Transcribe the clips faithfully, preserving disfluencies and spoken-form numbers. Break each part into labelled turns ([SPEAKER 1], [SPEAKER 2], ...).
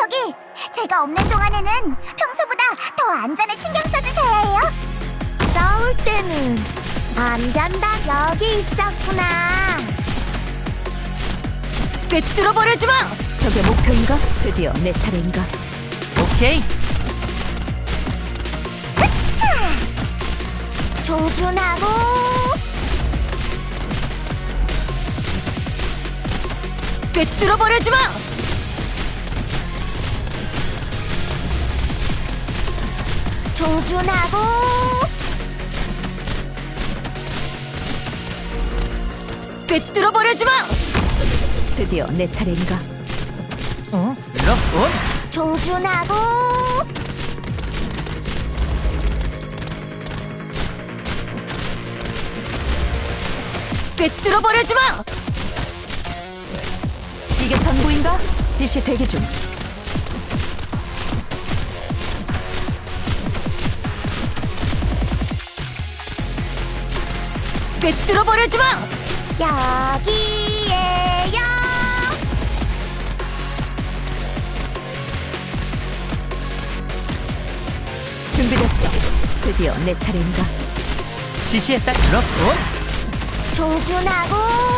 [SPEAKER 1] 저기, 제가 없는 동안에는 평소보다 더 안전에 신경 써주셔야 해요. 싸울 때는 안전다 여기 있었구나.
[SPEAKER 2] 꿰뚫어버리지 마! 저게 목표인가? 드디어 내 차례인가?
[SPEAKER 3] 오케이.
[SPEAKER 1] 조준하고
[SPEAKER 2] 꿰뚫어버리지 마!
[SPEAKER 1] 조준하고
[SPEAKER 2] 꿰뚫어버리지 마! 드디어 내 차례인가?
[SPEAKER 3] 어? 럭온?
[SPEAKER 1] 조준하고
[SPEAKER 2] 꿰뚫어버리지 마! 이게 전부인가? 지시 대기 중. 꿰뚫어버리지 마!
[SPEAKER 1] 여기에요.
[SPEAKER 2] 준비됐어. 드디어 내 차례인가?
[SPEAKER 3] 지시에 딱 럭온?
[SPEAKER 1] 조준하고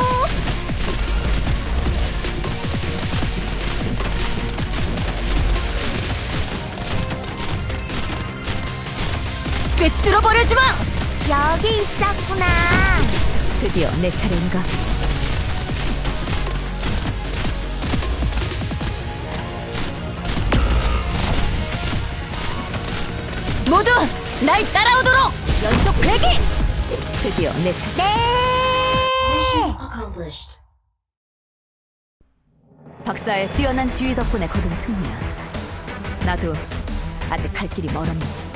[SPEAKER 2] 꿰뚫어버리지 마!
[SPEAKER 1] 여기 있었구나.
[SPEAKER 2] 드디어 내 차례인가? 모두 날 따라오도록! 연속 배기! 드디어 내 차례.
[SPEAKER 1] 네.
[SPEAKER 2] 박사의 뛰어난 지휘 덕분에 거둔 승리야. 나도 아직 갈 길이 멀었네.